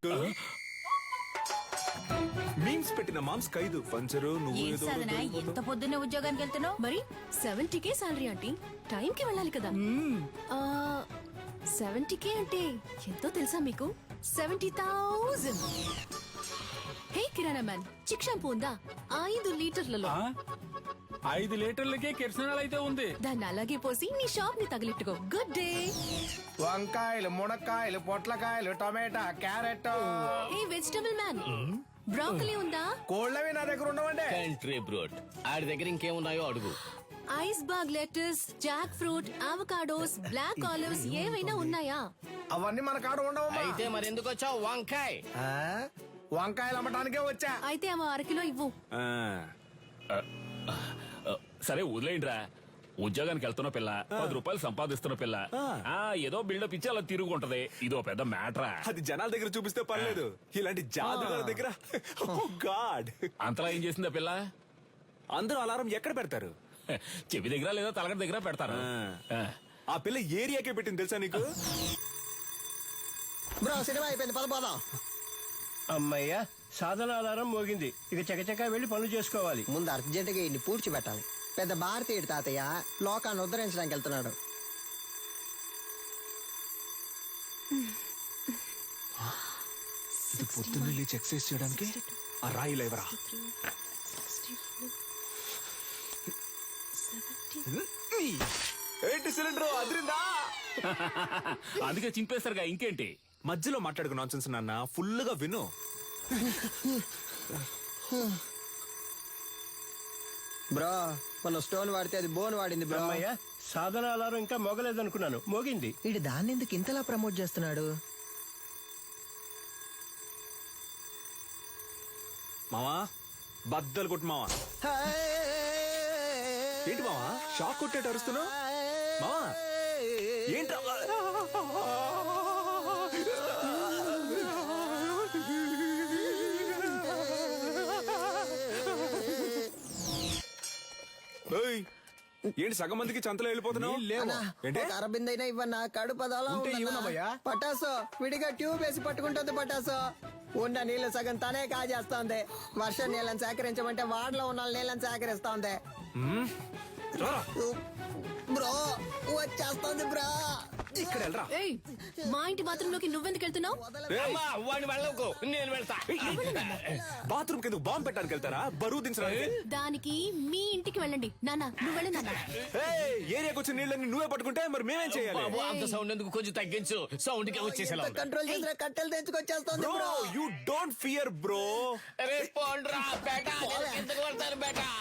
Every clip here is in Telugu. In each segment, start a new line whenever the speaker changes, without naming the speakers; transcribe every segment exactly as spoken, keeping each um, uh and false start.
మీమ్స్ పెట్టిన మామ్స్ ఖైదు పంచరు నువ్వు
ఏం
ఏదో
సాధన ఎంత పొద్దున్నే ఉద్యోగానికి వెళ్తున్నావు?
మరి seventy K salary aunty, time కి వెళ్ళాలి కదా. సెవెంటీ కే అంటే ఎంతో తెలుసా మీకు? Seventy thousand. Hey kirana man, Chik shampoo ఉందా? ఐదు లీటర్లలో.
ఐదు లీటర్లకే కిరసనాలు అయితే ఉంది.
దాన్ని అలాగే పోసి నీ షాప్ ని తగిలిట్టుకో. Good day.
వంకాయలు, మునక్కాయలు, పొట్లకాయలు, టమాటా, carrot.
Hey vegetable man, broccoli ఉందా?
కోళ్ళవి నా దగ్గర ఉండవండి.
కంట్రీ బ్రోడ్ ఆడి దగ్గర ఇంకేమున్నాయో అడుగు.
Iceberg lettuce, jackfruit, avocados, black olives ఏవైనా ఉన్నాయా?
అవన్నీ మన కాడ ఉండవమ్మా.
అయితే మరెందుకు వచ్చావు? వంకాయ్
ఆ? వంకాయలు అమ్మటానికే వచ్చా.
అయితే అవ అరకిలో ఇవ్వు.
ఆ,
సరే వదిలేయండిరా. ఉద్యోగానికి వెళ్తున్న పిల్ల, పది రూపాయలు సంపాదిస్తున్న పిల్ల, ఆ ఏదో బిల్డప్ ఇచ్చి అలా తిరుగుంటది. ఇదో పెద్ద మ్యాటరా.
అది జనాల దగ్గర చూపిస్తే పర్లేదు, ఇలాంటి జాదుగారి దగ్గర గాడ్.
అంతలా ఏం చేసిందా పిల్ల?
అందరూ అలారం ఎక్కడ పెడతారు?
చెవి దగ్గర లేదా తలగడ దగ్గర పెడతారు. ఆ.
ఆ పిల్ల ఏరియాకే పెట్టింది తెలుసా నీకు?
బ్రో సినిమా అయిపోయింది, పదపోదాం.
అమ్మయ్యా, సాధన ఆధారం మోగింది. ఇక చకచకా వెళ్లి పనులు చేసుకోవాలి.
ముందు అర్జెంట్ గా ఇన్ని పూడ్చి పెట్టాలి. పెద్ద భారతీయుడు తాతయ్య లోకాన్ని ఉద్ధరించడానికి వెళ్తున్నాడు.
ఇది పొద్దున్న లేచి ఎక్సర్సైజ్ చేయడానికి ఆ రాయి లేవరా. ఏంటి సిలిండర్ అదిరిందా?
అందుకే చింపేస్తారుగా, ఇంకేంటి?
మధ్యలో మాట్లాడుకు నాన్సెన్స్ నాన్న, ఫుల్ గా విను.
బ్రో మన స్టోన్ వాడితే అది బోన్ వాడింది బ్రో.
అమ్మయ్యా, సాధన ఆధారం ఇంకా మోగలేదనుకున్నాను, మోగింది.
ఇటు దాన్ని ఎందుకు ఇంతలా ప్రమోట్ చేస్తున్నాడు?
మావా బద్దలు కొట్టు మావా. ఏంటి మావా షాక్ కొట్టేట అరుస్తున్నావు? మావా ఏంట్రా? ఏయ్, ఏంటి సగం మందికి చంతలో వెళ్ళిపోతున్నావు? ఏంటి
అరబింద్ అయినా ఇవ్వన్నా, కడుపు అదోలా
ఉంటే
ఉందన్నా.
ఇవ్వనమ్మయ్యా.
పటాసు విడిగా ట్యూబ్ వేసి పట్టుకుంటుంది. పటాసు ఉన్న నీళ్లు సగం తనే కాజేస్తోంది. వర్షం నీళ్ళని సేకరించమంటే వాడలో ఉన్న నీళ్ళని సేకరిస్తోంది.
రారా.
బ్రో వచ్చేస్తోంది బ్రో.
ఇక్కడ వెళ్ళరా.
ఏయ్, మా ఇంటి బాత్రూమ్ లోకి నువ్వెందుకు వెళ్తున్నావు?
అమ్మా వాడిని వెళ్ళకు, నేను వెళ్తా.
బాత్రూమ్ కింద బాంబు పెట్టడానికి వెళ్తారా? బరువు దించడానికి?
దానికి మీ ఇంటికి వెళ్ళండి. నాన్న నువ్వు వెళ్ళి నాన్న.
ఏయ్, ఏరియాకి వచ్చిన నీళ్ళని నువ్వే పట్టుకుంటే మరి మేమేం చేయాలి?
బాబు, అంత సౌండ్ ఎందుకు? కొంచెం తగ్గించు. సౌండ్ కి వచ్చేసేలా ఉంది.
కంట్రోల్ చేసిన కట్టెలు తెచ్చుకొచ్చేస్తోంది
bro
bro.
You don't fear bro.
అరే పోండ్రా బేటా, నేను కిందకు పడతాను బేటా.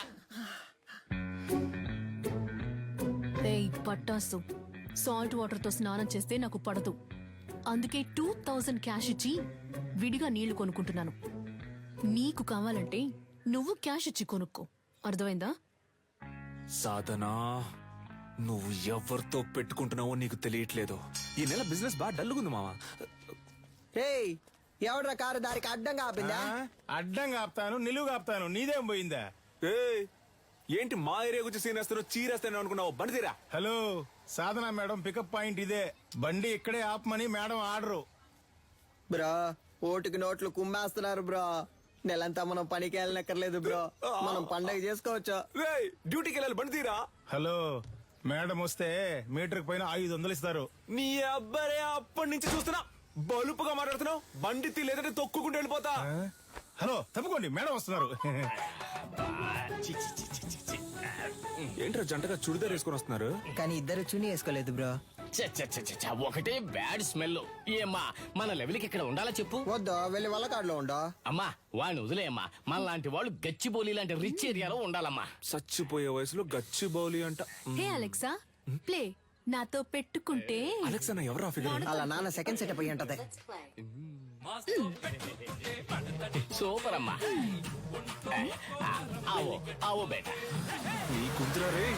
ఏయ్ పట్టాసు, సాల్ట్ వాటర్ తో స్నానం చేస్తే నాకు పడదు. అందుకే టూ థౌజండ్ క్యాష్ ఇచ్చి విడిగా నీళ్లు కొనుక్కుంటున్నాను. నీకు కావాలంటే నువ్వు క్యాష్ ఇచ్చి కొనుక్కో, అర్థమైందా?
సాధనా, నువ్వు ఎవరితో పెట్టుకుంటున్నావో నీకు తెలియట్లేదు. ఈ నెల బిజినెస్ బాగా డల్లుగుంది మావా.
ఏయ్ ఎవడ్రా కారు దారికి అడ్డంగా ఆపిందా?
అడ్డంగా ఆపుతాను, నిలువుగా ఆపుతాను, నీదేం పోయిందా?
ఏయ్, ఏంటి మా ఏరియా గురించి సీనేస్తారో చీరేస్తాను అనుకున్నావు? బండి తీరా.
Hello, Sadhana madam pickup point ఇదే. బండి ఇక్కడే ఆపమని మేడం ఆర్డరు.
బ్రో ఓటుకి నోట్లు కుమ్మేస్తున్నారు బ్రో. నెలంతా మనం పనికి వెళ్ళనక్కర్లేదు బ్రో, మనం పండగ చేసుకోవచ్చు.
ఏయ్, డ్యూటీకి వెళ్ళాలి, బండి తీరా.
హలో, మేడం వస్తే మీటర్ పైన ఐదు వందలు ఇస్తారు.
నీ అబ్బరే అప్పటి నుంచి చూస్తున్నా బలుపుగా మాట్లాడుతున్నావు. బండి తీ, లేదంటే తొక్కుకుంటూ వెళ్ళిపోతా.
హలో తప్పుకోండి, మేడం వస్తున్నారు.
ఏంట్రా జంటగా చుడిదార్ వేసుకొని వస్తున్నారు?
కానీ ఇద్దరు చుని వేసుకోలేదు బ్రో.
చ్చ, చ్చ, చ్చ, చ్చ, చ్చ, ఒకటే బ్యాడ్ స్మెల్. ఏమ్మా మన లెవెల్కి ఇక్కడ ఉండాలా చెప్పు?
వద్దు, వెళ్ళి వల్లకాడులో ఉండో.
అమ్మా వాడిని వదిలేయమ్మా. మన లాంటి వాళ్ళు గచ్చిబౌలి లాంటి రిచ్ ఏరియాలో ఉండాలమ్మా.
చచ్చిపోయే వయసులో గచ్చి బౌలి అంట.
Hey Alexa, play. నాతో పెట్టుకుంటే
అలెక్స్ అన్న ఎవరా ఫిగర్?
అలా నాన్న సెకండ్ సెటప్ అయ్యి ఉంటది.
సూపర్ అమ్మా. ఆవో ఆవో బేటా.
నీ కుంతురా రే.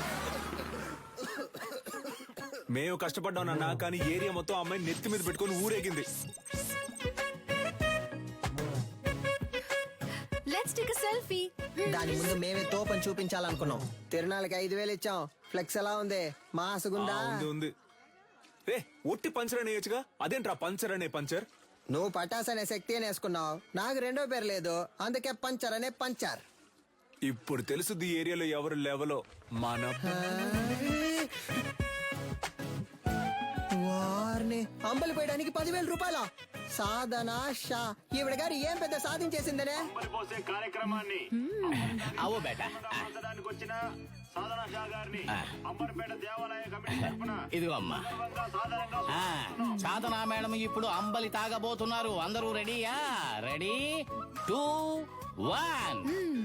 మేము కష్టపడ్డాం నాన్న, కానీ ఏరియా మొత్తం అమ్మాయి నెత్తి మీద పెట్టుకొని ఊరేగింది.
Let's take a selfie.
దాని ముందు మేమే తోపని చూపించాలనుకున్నాం. తిరునాళ్ళకి ఐదు వేలు ఇచ్చాం. ఫ్లెక్స్ ఎలా ఉంది? మాసుగుందా?
ఉంది ఉంది. రే ఒట్టి పంచర్ అనేయచ్చుగా, అదేంట్రా పంచర్ అనే పంచర్?
నువ్వు పటాస్ అనే శక్తి అని వేసుకున్నావు, నాకు రెండో పేరు లేదు, అందుకే పంచర్ అనే పంచర్.
ఇప్పుడు తెలుసుది ఈ ఏరియాలో ఎవరు లెవలో మన
వారిని అంబలి పోయడానికి పదివేల రూపాయల సాధన షా ఈవిడ గారు ఏం పెద్ద సాధించేసిందనే.
కార్యక్రమాన్ని
అవో బేటా
వచ్చిన సాధన షా గారిని అంబర్పేట దేవాలయ కమిటీ తరఫున
ఇదిగో అమ్మా
సాధారణంగా
ఆ, సాధనా మేడం ఇప్పుడు అంబలి తాగబోతున్నారు. అందరూ రెడీయా? Ready two one.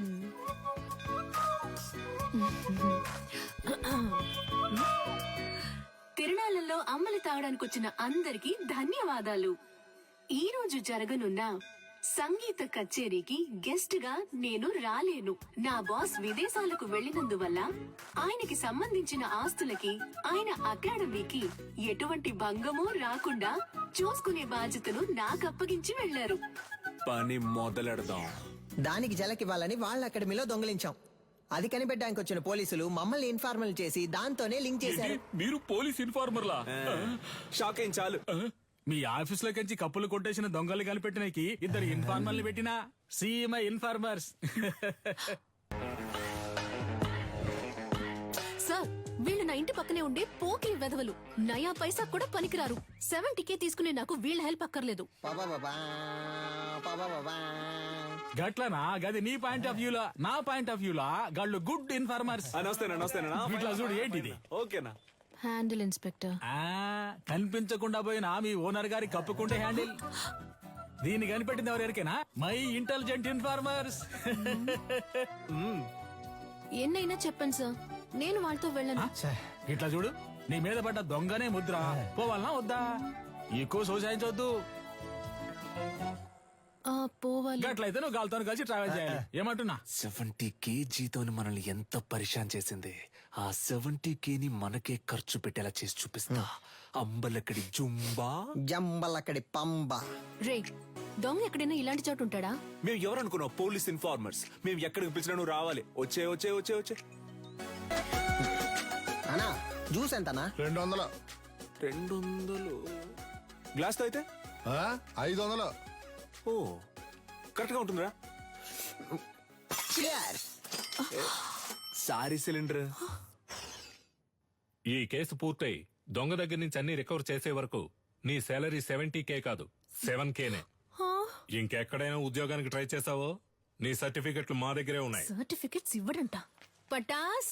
తిరునాళ్ళలో అమ్మలి తాగడానికి వచ్చిన అందరికీ ధన్యవాదాలు. ఈ రోజు జరగనున్న సంగీత కచేరీకి గెస్ట్ గా నేను రాలేను. నా బాస్ విదేశాలకు వెళ్లినందువల్ల ఆయనకి సంబంధించిన ఆస్తులకి ఆయన అకాడమీకి ఎటువంటి భంగమూ రాకుండా చూసుకునే బాధ్యతను నాకు అప్పగించి వెళ్లారు.
పని మొదలెడదాం.
దానికి జలకివ్వాలని వాళ్ళ అకాడమీలో దొంగిలించాం. అది కనిపెట్టడానికి వచ్చిన పోలీసులు మమ్మల్ని ఇన్ఫార్మల్ చేసి దాంతోనే లింక్ చేశారు.
మీరు పోలీస్ ఇన్ఫార్మర్లా?
షాక్ అయింది చాలు.
మీ ఆఫీస్ లో కంచి కప్పులు కొట్టేసిన దొంగలు కనిపెట్టినకి ఇద్దరు ఇన్ఫార్మర్లు పెట్టినా సీఎంఐ ఇన్ఫార్మర్స్.
సార్, వీళ్ళు నా ఇంటి పక్కనే ఉండే పోకిరి వెధవలు. నయా పైసా కూడా పనికిరారు. సెవెంటీకే తీసుకునే నాకు వీళ్ళ హెల్ప్ అక్కర్లేదు.
పాపాపాపా, పాపాపాపా.
గట్లనా? గది నీ పాయింట్ ఆఫ్ వ్యూలా, నా పాయింట్ ఆఫ్ వ్యూలా గాళ్ళు గుడ్ ఇన్ఫార్మర్స్.
నమస్తేనా నమస్తేనా
ఇట్లా చూడు, ఏంటిది?
ఓకేనా?
Handle inspector.
ఆ కనిపించకుండా పోయిన మీ ఓనర్ గారి కప్పుకుంటే హ్యాండిల్. దీన్ని కనిపెట్టింది ఎవరికైనా? My intelligent informers.
ఎన్నైనా చెప్పండి సార్, నేను వాళ్ళతో వెళ్ళను.
ఇట్లా చూడు, నీ మీద పడ్డ దొంగనే ముద్ర. పోవాలనా వద్దా? ఎక్కువ సోసాయించవద్దు.
ఆ, పోవాలి.
గట్లయితే నువ్వు గాలితో కలిసి ట్రావెల్ చేయాలి. ఏమంటున్నా?
సెవెంటీ కేజీతో మనల్ని ఎంత పరిశాన్ చేసింది. ఆ సెవెంటీ కేని మనకే ఖర్చు పెట్టేలా చేసి చూపిస్తా. అంబలక్కడి జుంబా,
జంబలక్కడి పంబ.
రే, దొంగ ఎక్కడైనా ఇలాంటి చోటు ఉంటాడా?
మేము ఎవరనుకున్నావు? Police informers. మేము ఎక్కడికి పిలిచినా నువ్వు రావాలి. వచ్చే వచ్చే వచ్చే వచ్చే
అనా జ్యూస్ ఎంతనా?
రెండు వందలు.
రెండు వందలు గ్లాస్ తో అయితే
ఆ? ఐదు వందలు.
ఓ కరెక్ట్ గా ఉంటుందిరా.
Cheers.
Sorry cylinder.
ఈ కేసు పూర్తయి దొంగ దగ్గర నుంచి అన్ని రికవర్ చేసే వరకు నీ శాలరీ సెవెంటీ కే కాదు, సెవెన్ కేనే. ఇంకెక్కడైనా ఉద్యోగానికి ట్రై చేసావో నీ సర్టిఫికెట్లు మా దగ్గరే ఉన్నాయి.
సర్టిఫికెట్స్ ఇవ్వడంట. పటాస్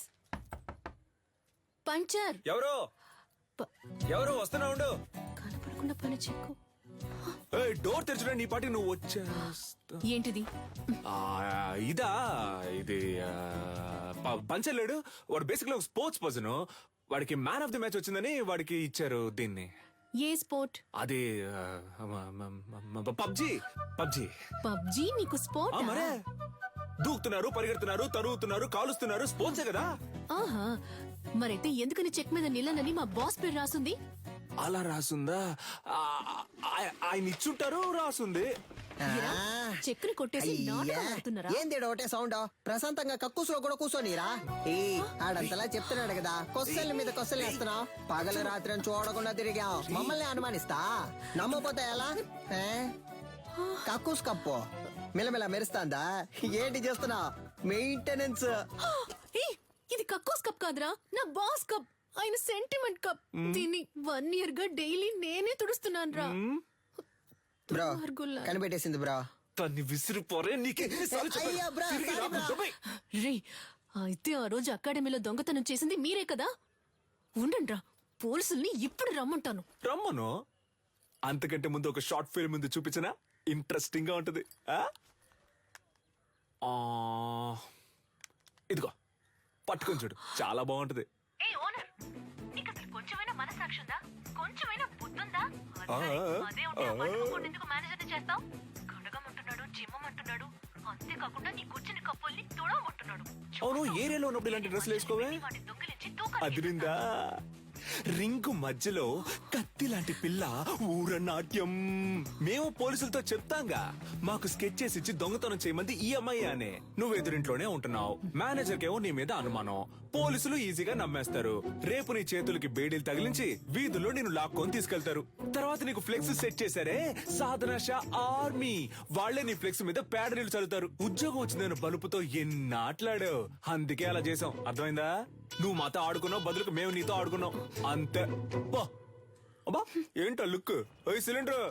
పంచర్.
ఎవరు
ప-
ఎవరు వస్తున్నా ఉండు.
కనపడకుండా పని చెక్కు.
ఏయ్, డోర్ తెరచడం నీ పాటి నువ్వు వచ్చేస్తా.
ఏంటిది?
ఆ, ఇదా ఇది ఆ, ప- పంచలేడు వాడు బేసిక్లీ ఒక స్పోర్ట్స్ పర్సన్. వాడికి మ్యాన్ ఆఫ్ ది మ్యాచ్ వచ్చిందని వాడికి ఇచ్చారు దీన్ని.
ఏ స్పోర్ట్?
అది పబ్జి. పబ్జి
పబ్జీ నీకు స్పోర్ట్?
మరే దూకుతున్నారు, పరిగెడుతున్నారు, తరుగుతున్నారు, కాలుస్తున్నారు. స్పోర్ట్సే కదా.
ఆహా, మరైతే ఎందుకని చెక్ మీద నిల్లనని మా బాస్ పేరు రాసుంది?
అలా రాసుందా? ఆ, ఆ- ఆయన ఇచ్చుంటారు, రాసుంది.
చెక్కుని కొట్టేసి నాటకాలు ఆడుతున్నారా?
ఏంది ఒకటే సౌండ్? ప్రశాంతంగా కక్కుసులో కూడా కూర్చోనిరా. ఏ ఆడంతలా చెప్తున్నాడు కదా, కొస్సల మీద కొస్సలు వేస్తున్నావు. పగలు రాత్రి అని చూడకుండా తిరిగాం, మమ్మల్ని అనుమానిస్తా. నమ్మపోతే ఎలా? ఏ? కక్కుస్ కప్పు మిలమిల మెరుస్తాందా? ఏంటి చేస్తున్నావు? మెయింటెనెన్స్.
ఏయ్, ఇది కక్కోస్ కప్ కాదురా, నా బాస్ కప్. ఆయన సెంటిమెంట్ కప్. దీన్ని వన్ ఇయర్ గా డైలీ నేనే తుడుస్తున్నాను రా.
బ్రో కనిపెట్టేసింది బ్రో.
తన్ని విసిరిపోరే. నీకే
అయ్యా బ్రో, సారీ బ్రో.
రే, అయితే ఆ రోజు అకాడమీలో దొంగతనం చేసింది మీరే కదా? ఉండండి రా, పోలీసుల్ని ఇప్పుడు రమ్మంటాను.
రమ్మను. అంతకంటే ముందు ఒక షార్ట్ ఫిల్మ్ ముందు చూపించనా? ఇంట్రెస్టింగ్ గా ఉంటది. ఆ? ఆ, ఇదిగో పట్టుకొని చూడు, చాలా బాగుంటది.
కొంచెమైనా మనసాక్షి ఉందా? కొంచెమైనా బుద్ధుందా?
ఆ,
అదే ఉంటే ఆ పట్టుకోకుండా ఎందుకు మేనేజర్ని చేస్తావు? కడగమంటున్నాడు, జిమ్మమంటున్నాడు, అంతేకాకుండా నీ కూర్చుని కప్పుల్ని తుడవమంటున్నాడు.
అవును, ఏరియాలో ఉన్నప్పుడు ఇలాంటి డ్రెస్సులు వేసుకోవే.
వాటి దొంగిలించి తూకాలు
అదిరిందా? రింగు మధ్యలో కత్తి లాంటి పిల్ల ఊర నాట్యం. మేము పోలీసులతో చెప్తాంగా, మాకు స్కెచ్ చేసి ఇచ్చి దొంగతనం చేయమంది ఈ అమ్మాయి అనే. నువ్వు ఎదురింట్లోనే ఉంటున్నావు, మేనేజర్ కేమో నీ మీద అనుమానం. పోలీసులు ఈజీగా నమ్మేస్తారు. రేపు నీ చేతులకి బేడీలు తగిలించి వీధుల్లో నేను లాక్కొని తీసుకెళ్తారు. తర్వాత నీకు ఫ్లెక్స్ సెట్ చేశారే సాధన షా ఆర్మీ, వాళ్లే నీ ఫ్లెక్స్ మీద పేడ నీళ్లు చల్లుతారు. ఉద్యోగం వచ్చిందని బలుపుతో ఎన్ని ఆటలాడావు, అందుకే అలా చేసాం. అర్థమైందా? నువ్వు మాతో ఆడుకున్నావు, బదులుకు మేము నీతో ఆడుకున్నాం అంతే. బా అబ్బా ఏంటో లుక్. ఓ సిలిండర్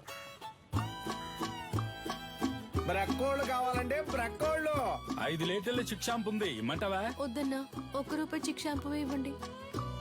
బ్రక్కోళ్ళు కావాలంటే బ్రక్కోళ్ళు.
ఐదు లీటర్ల చిక్ షాంపు ఉంది, ఇమ్మంటావా?
వద్దన్నా, ఒక్క రూపాయి చిక్ షాంపూ ఇవ్వండి.